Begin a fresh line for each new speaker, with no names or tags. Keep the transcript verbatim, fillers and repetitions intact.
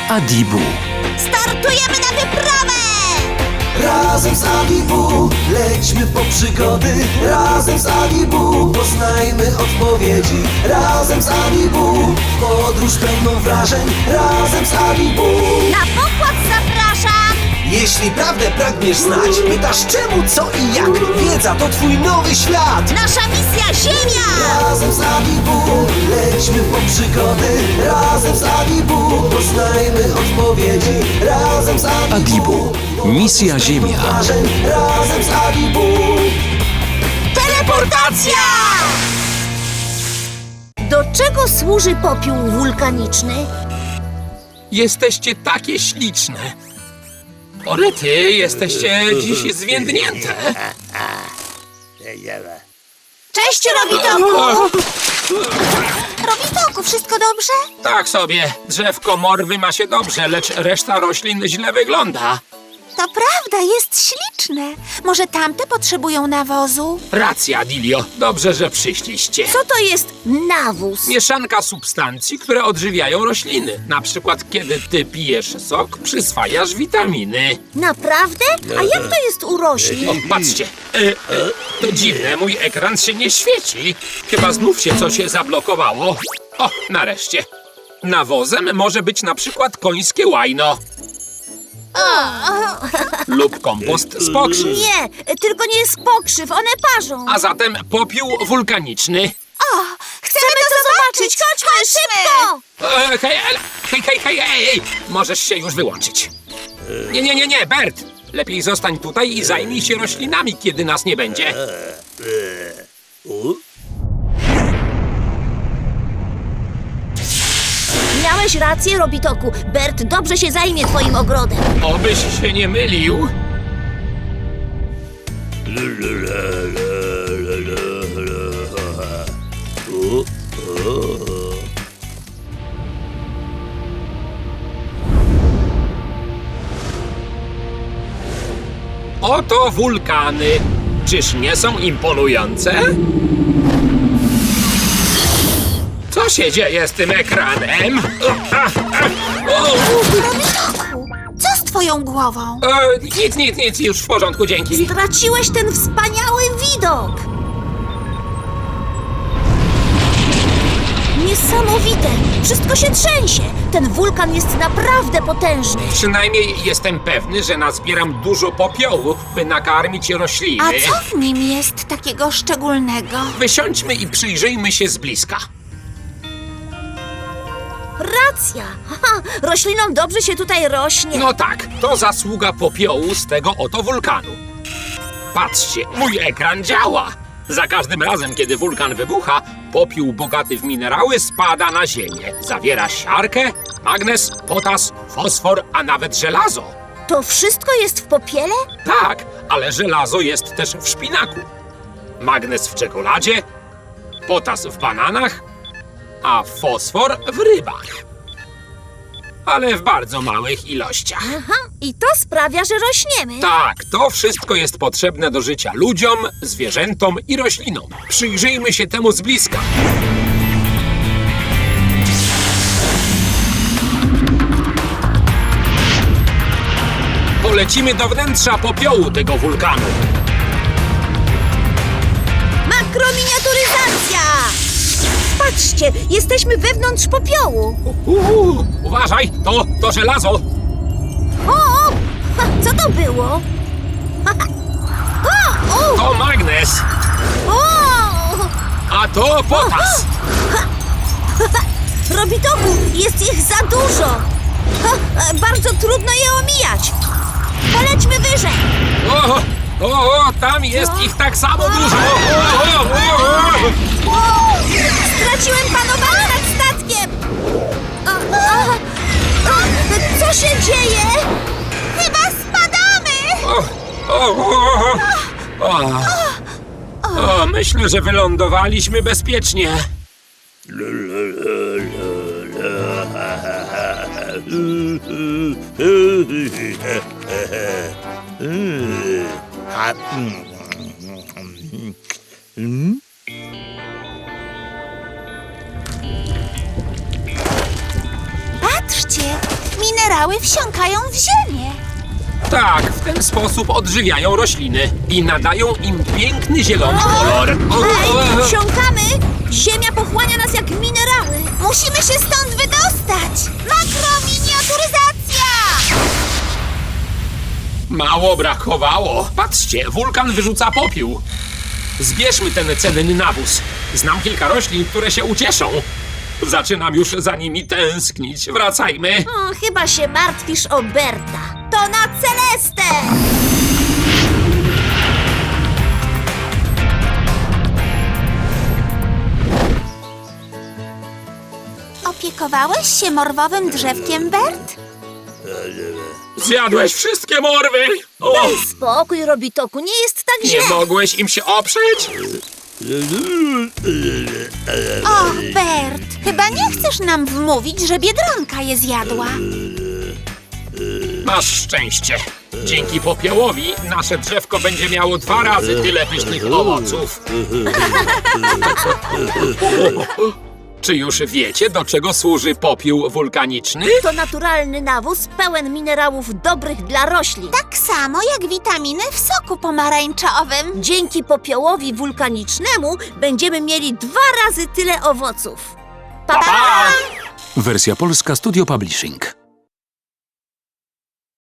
Adibu.
Startujemy na wyprawę!
Razem z Adibu lećmy po przygody. Razem z Adibu poznajmy odpowiedzi. Razem z Adibu podróż pełną wrażeń. Razem z Adibu.
Na pokład zapraszam!
Jeśli prawdę pragniesz znać, pytasz czemu, co i jak. Wiedza to twój nowy świat.
Nasza misja Ziemia!
Razem z Adibu lećmy po przygody. Razem z Adibu poznajmy odpowiedzi. Razem z Adibu,
Adibu. Misja Ziemia.
wrażeń. Razem z Adibu.
Teleportacja! Do czego służy popiół wulkaniczny?
Jesteście takie śliczne. Orety, jesteście dziś zwiędnięte.
Cześć, Robitoku! Robitoku, wszystko dobrze?
Tak sobie, drzewko morwy ma się dobrze, lecz reszta roślin źle wygląda.
To prawda, jest śliczne. Może tamte potrzebują nawozu?
Racja, Dilio, dobrze, że przyszliście.
Co to jest nawóz?
Mieszanka substancji, które odżywiają rośliny. Na przykład, kiedy ty pijesz sok, przyswajasz witaminy.
Naprawdę? A jak to jest u roślin?
O, patrzcie, e, e, to dziwne, mój ekran się nie świeci. Chyba znów się coś zablokowało. O, nareszcie. Nawozem może być na przykład końskie łajno. Lub kompost z pokrzyw.
Nie, tylko nie jest pokrzyw, one parzą.
A zatem popiół wulkaniczny.
O, chcemy to zobaczyć, chodźmy, szybko!
E, hej, el- hej, hej, hej, hej, hej, możesz się już wyłączyć. Nie, nie, nie, nie, Bert. Lepiej zostań tutaj i zajmij się roślinami, kiedy nas nie będzie.
Miałeś rację, Robitoku. Bert dobrze się zajmie twoim ogrodem.
Obyś się nie mylił. Oto wulkany. Czyż nie są imponujące? Co się dzieje z tym ekranem?
Robitoku, co z twoją głową?
E, nic, nic, nic, już w porządku, dzięki.
Straciłeś ten wspaniały widok. Niesamowite! Wszystko się trzęsie. Ten wulkan jest naprawdę potężny.
Przynajmniej jestem pewny, że nazbieram dużo popiołu, by nakarmić rośliny.
A co w nim jest takiego szczególnego?
Wysiądźmy i przyjrzyjmy się z bliska.
Racja! Haha, roślinom dobrze się tutaj rośnie.
No tak, to zasługa popiołu z tego oto wulkanu. Patrzcie, mój ekran działa. Za każdym razem, kiedy wulkan wybucha, popiół bogaty w minerały spada na ziemię. Zawiera siarkę, magnez, potas, fosfor, a nawet żelazo.
To wszystko jest w popiele?
Tak, ale żelazo jest też w szpinaku. Magnez w czekoladzie, potas w bananach, a fosfor w rybach. Ale w bardzo małych ilościach.
Aha, i to sprawia, że rośniemy.
Tak, to wszystko jest potrzebne do życia ludziom, zwierzętom i roślinom. Przyjrzyjmy się temu z bliska. Polecimy do wnętrza popiołu tego wulkanu.
Makrominiaturyzacja! Patrzcie, jesteśmy wewnątrz popiołu.
Uuu, uważaj, to, to żelazo.
O, o! Ha, co to było? Ha, ha. O, o,
To magnez,
o!
a to potas.
Robitoku, jest ich za dużo. Ha, e, bardzo trudno je omijać. Polećmy wyżej.
O, o, o, tam jest ich tak samo dużo. O, o, o, o.
O, straciłem panowanie nad statkiem. A, a, a, co się dzieje? Chyba spadamy.
O, o, o, o. O, myślę, że wylądowaliśmy bezpiecznie.
Patrzcie, minerały wsiąkają w ziemię.
Tak, w ten sposób odżywiają rośliny i nadają im piękny zielony kolor.
Hej, wsiąkamy! Ziemia pochłania nas jak minerały. Musimy się stąd wydostać. Makrominiaturyzacja!
Mało brakowało. Patrzcie, wulkan wyrzuca popiół. Zbierzmy ten cenny nawóz. Znam kilka roślin, które się ucieszą. Zaczynam już za nimi tęsknić. Wracajmy.
O, chyba się martwisz o Berta. To na Celestę! Opiekowałeś się morwowym drzewkiem, Bert?
Zjadłeś wszystkie morwy. O,
Daj spokój, Robitoku, nie jest tak
nie
źle.
mogłeś im się oprzeć?
O, Bert, chyba nie chcesz nam wmówić, że Biedronka je zjadła.
Masz szczęście. Dzięki popiołowi nasze drzewko będzie miało dwa razy tyle pysznych owoców. Czy już wiecie, do czego służy popiół wulkaniczny?
To naturalny nawóz pełen minerałów dobrych dla roślin. Tak samo jak witaminy w soku pomarańczowym. Dzięki popiołowi wulkanicznemu będziemy mieli dwa razy tyle owoców. Pa, pa!
Wersja polska Studio Publishing.